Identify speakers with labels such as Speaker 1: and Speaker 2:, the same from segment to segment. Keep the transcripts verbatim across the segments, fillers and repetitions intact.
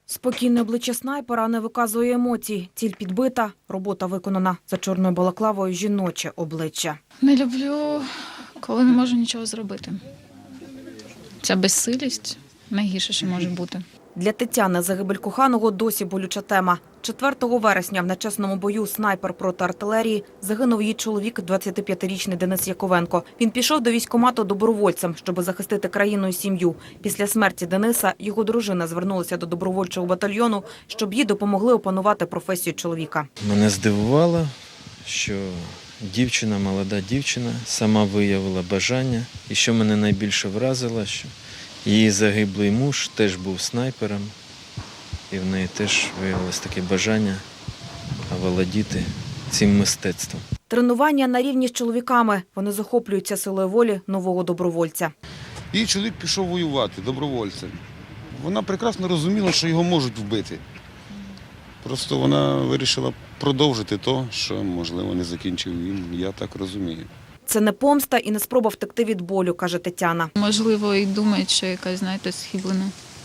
Speaker 1: Спокійне обличчя снайпера не виказує емоцій. Ціль підбита, робота виконана. За чорною балаклавою жіноче обличчя.
Speaker 2: Не люблю, коли не можу нічого зробити. Ця безсилість найгірше, що може бути.
Speaker 1: Для Тетяни загибель коханого досі болюча тема. четвертого вересня в нечесному бою снайпер проти артилерії загинув її чоловік, двадцятип'ятирічний Денис Яковенко. Він пішов до військкомату добровольцем, щоб захистити країну і сім'ю. Після смерті Дениса його дружина звернулася до добровольчого батальйону, щоб їй допомогли опанувати професію чоловіка.
Speaker 3: Мене здивувало, що дівчина, молода дівчина, сама виявила бажання. І що мене найбільше вразило, що її загиблий муж теж був снайпером, і в неї теж виявилось таке бажання володіти цим мистецтвом.
Speaker 1: Тренування на рівні з чоловіками. Вони захоплюються силою волі нового добровольця.
Speaker 4: Її чоловік пішов воювати добровольцем. Вона прекрасно розуміла, що його можуть вбити. Просто вона вирішила продовжити те, що, можливо, не закінчив він, я так розумію.
Speaker 1: Це не помста і не спроба втекти від болю, каже Тетяна.
Speaker 2: Можливо, і думають, що якась, знаєте, схиблена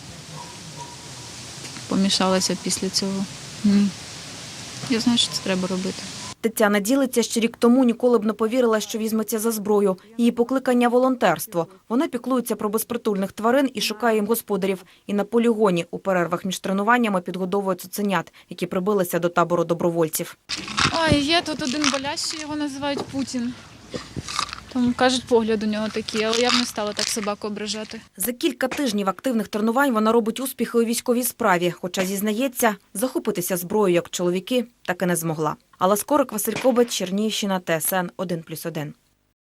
Speaker 2: помішалася після цього. Ні. Я знаю, що це треба робити.
Speaker 1: Тетяна ділиться, що рік тому ніколи б не повірила, що візьметься за зброю. Її покликання – волонтерство. Вона піклується про безпритульних тварин і шукає їм господарів. І на полігоні у перервах між тренуваннями підгодовує цуценят, які прибилися до табору добровольців.
Speaker 2: Ой, є тут один болящий, його називають Путін. Там, кажуть, погляд у нього такий, але я б не стала так собаку ображати.
Speaker 1: За кілька тижнів активних тренувань вона робить успіхи у військовій справі. Хоча, зізнається, захопитися зброєю, як чоловіки, так і не змогла. Алла Скорик, Василь Кобець, Чернігівщина, Т С Н один плюс один.